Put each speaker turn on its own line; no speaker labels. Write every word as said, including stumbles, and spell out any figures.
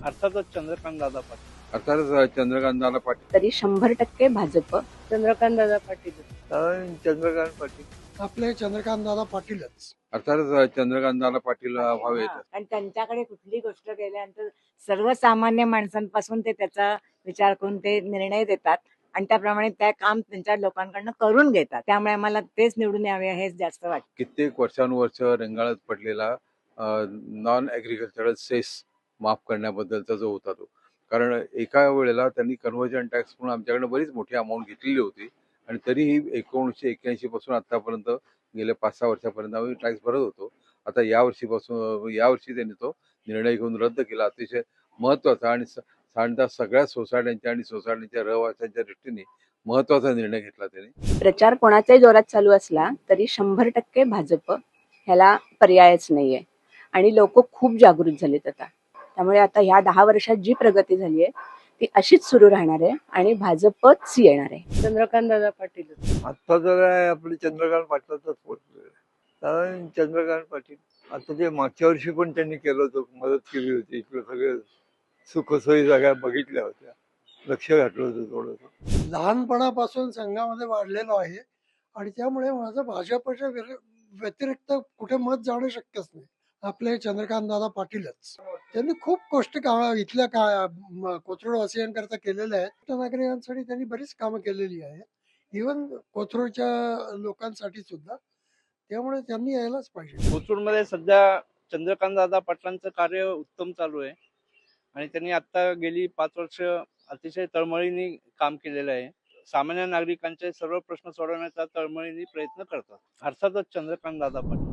अर्थातच चंद्रकांत दादा पाटील.
अर्थातच चंद्रकांत दादा पाटील.
तरी शंभर टक्के भाजप.
चंद्रकांत दादा पाटील.
कारण चंद्रकांत पाटील
आपले चंद्रकांत दादा पाटीलच.
अर्थातच चंद्रकांत दादा पाटील व्हावेत.
आणि त्यांच्याकडे कुठली गोष्ट गेल्यानंतर सर्वसामान्य माणसांपासून ते त्याचा विचार करून ते निर्णय देतात आणि त्याप्रमाणे त्या काम त्यांच्या लोकांकडनं करून घेतात. त्यामुळे आम्हाला तेच निवडून यावे हेच जास्त वाटतं.
कित्येक वर्षानुवर्ष रेंगाळत पडलेला नॉन ऍग्रिकल्चरल सेस माफ करण्याबद्दलचा जो होता तो, कारण एका वेळेला त्यांनी कन्व्हर्जन टॅक्स म्हणून आमच्याकडे बरीच मोठी अमाऊंट घेतलेली होती आणि तरीही एकोणीसशे एक्क्याऐंशी पासून आतापर्यंत गेल्या पाच सहा वर्षापर्यंत आम्ही टॅक्स भरत होतो. आता या वर्षीपासून यावर्षी त्यांनी तो निर्णय घेऊन रद्द केला. अतिशय महत्वाचा आणि साधारणतः सगळ्या सोसायट्यांच्या आणि सोसायटीच्या रहिवाशांच्या दृष्टीने महत्वाचा निर्णय घेतला त्यांनी.
प्रचार कोणाचाही जोरात चालू असला तरी शंभर टक्के भाजप ह्याला पर्यायच नाहीये आणि लोक खूप जागृत झालेत आता. त्यामुळे आता ह्या दहा वर्षात जी प्रगती झाली आहे ती अशीच सुरू राहणार आहे आणि भाजपच येणार आहे.
चंद्रकांत दादा पाटील.
आता जर आहे आपले चंद्रकांत पाटलाचाच पोचले. कारण चंद्रकांत पाटील आता ते मागच्या वर्षी पण त्यांनी केलं होतं, मदत केली होती, इकडे सगळे सुखसोयी सगळ्या बघितल्या होत्या, लक्ष घातलं होतं थोडंसं.
लहानपणापासून संघामध्ये वाढलेलो आहे आणि त्यामुळे माझं भाजपच्या विर- व्यतिरिक्त कुठे मत जाणं शक्यच नाही. आपले चंद्रकांत दादा पाटीलच. त्यांनी खूप गोष्टी का इथल्या का म- कोथरूडवासियांकरता केलेल्या आहेत. नागरिकांसाठी त्यांनी बरीच कामं केलेली आहेत, इव्हन कोथरूडच्या लोकांसाठी सुद्धा. त्यामुळे त्यांनी यायलाच पाहिजे.
कोथरूडमध्ये सध्या चंद्रकांत दादा पाटलांचं कार्य उत्तम चालू आहे आणि त्यांनी आता गेली पाच वर्ष अतिशय तळमळीने काम केलेलं आहे. सामान्य नागरिकांचे सर्व प्रश्न सोडवण्याचा तळमळीने प्रयत्न करतात. अर्थातच चंद्रकांत दादा पाटील.